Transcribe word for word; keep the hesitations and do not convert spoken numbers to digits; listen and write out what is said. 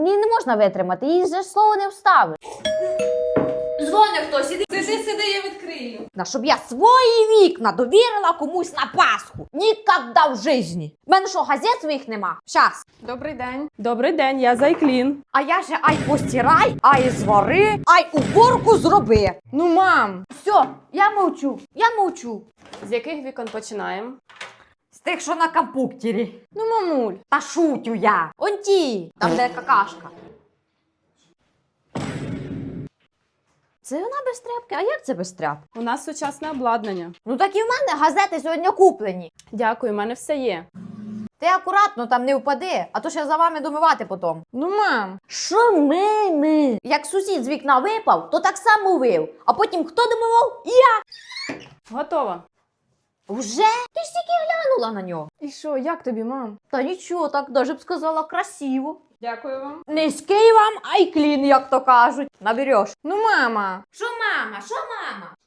Її не можна витримати, їй же слово не вставиш. Дзвони хтось, іди. Сиди, сиди, я відкрию. На щоб я свої вікна довірила комусь на Пасху. Ніколи в житті. В мене що, газет своїх нема? Щас. Добрий день. Добрий день, я Зайклін. А я же ай постирай, ай звари, ай уборку зроби. Ну, мам. Все, я мовчу, я мовчу. З яких вікон починаємо? З тих, що на компуктері. Ну, мамуль. Та шутю я. Он ті, там де какашка. Це вона без тряпки? А як це без тряпки? У нас сучасне обладнання. Ну так і в мене газети сьогодні куплені. Дякую, у мене все є. Ти акуратно там не впади, а то ще за вами домивати потім. Ну, мам. Що ми, ми? Як сусід з вікна випав, то так само вив. А потім хто домивав? Я. Готово. Вже? Ти ж тільки глянула на нього. І що, як тобі, мам? Та нічого, так даже б сказала красиво. Дякую вам. Низький вам, ай клін, як то кажуть. Набереш. Ну, мама. Що мама, що мама?